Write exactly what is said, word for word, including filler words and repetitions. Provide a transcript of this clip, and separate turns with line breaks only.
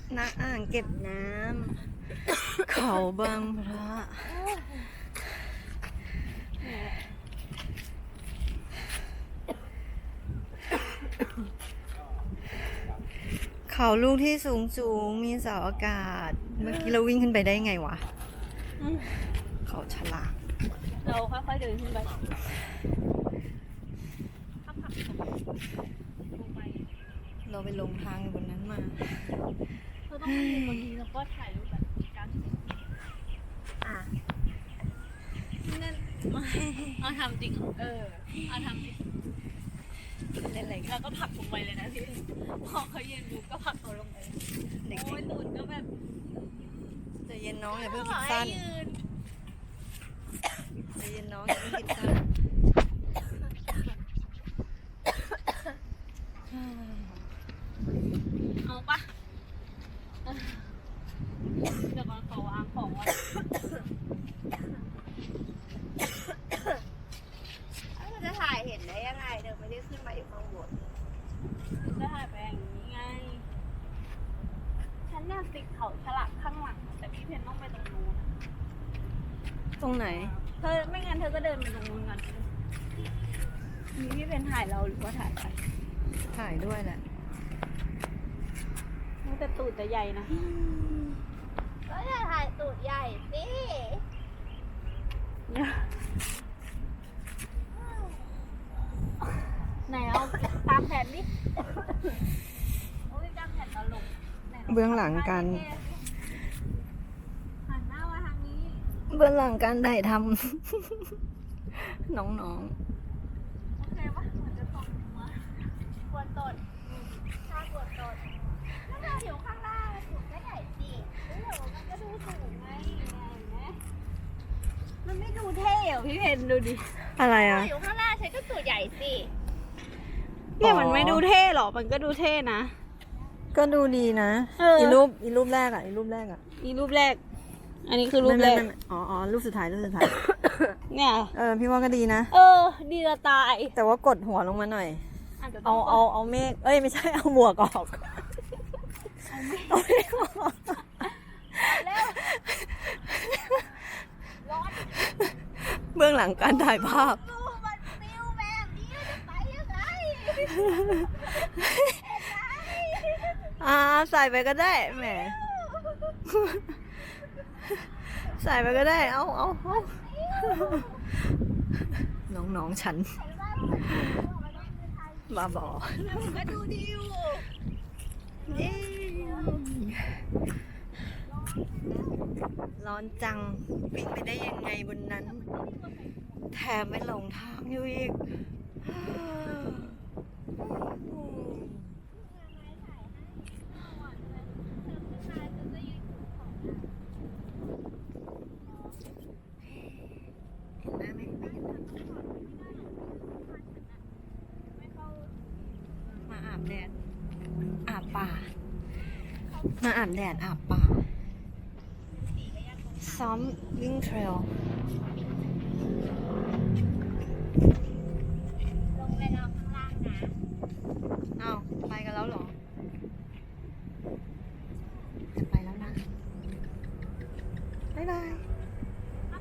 ณอ่างเก็บน้ำเขาบางพระเขาลูกที่สูงสูงมีเสาอากาศ เมื่อกี้เราวิ่งขึ้นไปได้ไงวะ เขาฉลาด
เราค่อยๆเดินขึ้นไป
เราไปลงทางอยู่บนนั้นมา
เราต้องไปบนนี้แล้วก็ถ่ายรูปแบบการอ่ะนั่นเอาทำจริงเออเอาทำจริง
เล่นอะไรกัน
แล้วก็ผลักลงไปเลยนะพี่พอเขาเย็นดูก็ผลักเขาลงไปโอ้ยตูดก็แบบ
ใจเย็นน้องอย่าเพิ่งคิดสั้นใจเย็นน้องอย่าเพิ่งคิดสั้น
เอาปะเดี๋ยวก่อนขอวางของไว้
มันจะถ่ายเห็นได้ยังไงเดี๋ยวไม่ได้ขึ้นมาอยู่ข้างบน
จะถ่ายไปอย่างนี้ไงฉันอยากติดเขาฉลากข้างหลังแต่พี่เพนต้องไปตรงนู้น
ตรงไหน
เธอไม่งั้นเธอก็เดินไปตรงนู้นก่อนมีพี่เพนถ่ายเราหรือว่าถ่ายใคร
ถ่ายด้วยแหละ
มันแต่ตูดจะใหญ่นะ
ก็จะถ่ายตูดใหญ่สิ
ไหนเอาตามแผนดิโอ้ยตามแผนตลก
เบื้องหลังการ
หันหน้ามาทางนี้
เบื้องหลังการถ่ายทำ น้อง
โอเคปะเหมือนจะตกหัว
ปวดตดถ้าปวดตดถ้าเราอยู่ข้างล่างตูดก็ใหญ่สิเดี๋ยวมันก็ดูสูงไง
ไงเห็นไหมมันไม่ดูเท่เหรอพี่เพนดูดิ
ๆ อะไร
ถ้า
อ่ะ
อยู่ข้างล่างฉันก็ตูดใหญ่สิ
เนี่ยมันไม่ดูเท่หรอ มันก็ดูเท่นะ
ก็ดูดีนะ
เอออี
อีรูปอีรูปแรกอ่ะอีรูปแรกอ่ะ
นี่รูปแรก อันนี้คือรูปแรก
ไม่ไม่ไม่อ๋ออ๋อรูปสุดท้ายรูปสุดท้าย
เนี่ย
เออพี่ว่าก็ดีนะ
เออ ดีจะตาย
แต่ว่ากดหัวลงมาหน่อย
อาจจะต้
เอา
ง
เอาเอาเมฆเอ้ยไม่ใช่เอาหมวกออกเอาเมฆออก
ร้อน
เบื้องหลังการถ่ายภาพ
ดูมันฟิวแบบนี้จะไปยังไง
อ่าใส่ไปก็ได้แหมใส่ไปก็ได้ เอาเอาเอาน้องๆฉันมาบอก
ก็ดูดีอยู่
ร้อนจังวิ่งไปได้ยังไงบนนั้น แถมไม่หลงทางอยู่อีกมาอาบแดดอาบป่ามาอาบแดดอาบป่าซ้อมวิ่งเทรล